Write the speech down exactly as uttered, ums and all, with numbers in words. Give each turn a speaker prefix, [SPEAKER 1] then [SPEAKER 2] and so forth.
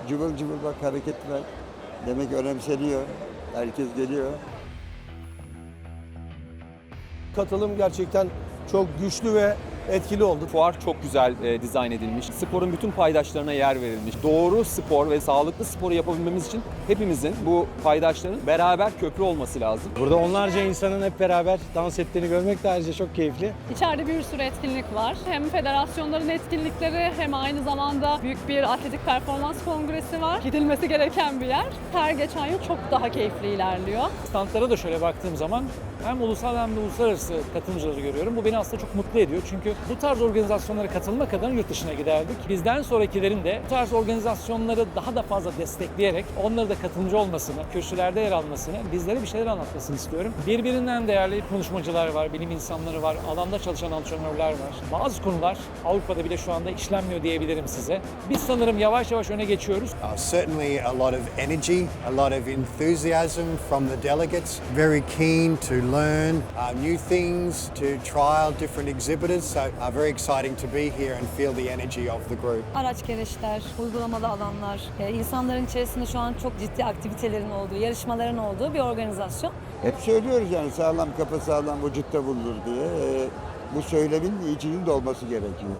[SPEAKER 1] cıvıl cıvıl bak, hareketler. Demek önemseniyor. Herkes geliyor.
[SPEAKER 2] Katılım gerçekten çok güçlü ve etkili oldu.
[SPEAKER 3] Fuar çok güzel e, dizayn edilmiş. Sporun bütün paydaşlarına yer verilmiş. Doğru spor ve sağlıklı sporu yapabilmemiz için hepimizin, bu paydaşların beraber köprü olması lazım.
[SPEAKER 4] Burada onlarca insanın hep beraber dans ettiğini görmek de ayrıca çok keyifli.
[SPEAKER 5] İçeride bir sürü etkinlik var. Hem federasyonların etkinlikleri hem aynı zamanda büyük bir atletik performans kongresi var. Gidilmesi gereken bir yer. Her geçen yıl çok daha keyifli ilerliyor.
[SPEAKER 6] Standlara da şöyle baktığım zaman hem ulusal hem de uluslararası katılımcıları görüyorum. Bu beni aslında çok mutlu ediyor. Çünkü bu tarz organizasyonlara katılmak adına yurt dışına giderdik. Bizden sonrakilerin de bu tarz organizasyonları daha da fazla destekleyerek onları da katılımcı olmasını, kürsülerde yer almasını, bizlere bir şeyler anlatmasını istiyorum. Birbirinden değerli konuşmacılar var, bilim insanları var, alanda çalışan antrenörler var. Bazı konular Avrupa'da bile şu anda işlenmiyor diyebilirim size. Biz sanırım yavaş yavaş öne geçiyoruz.
[SPEAKER 7] Uh, certainly a lot of energy, a lot of enthusiasm from the delegates. Very keen to learn uh, new things, to trial different exhibitors. So uh, very exciting to be here and feel the energy of the group.
[SPEAKER 8] Araç gereçler, uygulamalı alanlar, e, insanların içerisinde şu an çok ciddi aktivitelerin olduğu, yarışmaların olduğu bir organizasyon.
[SPEAKER 1] Hep söylüyoruz yani sağlam kafa sağlam vücutta bulunur diye. Ee, bu söylemin içinin de olması gerekiyor.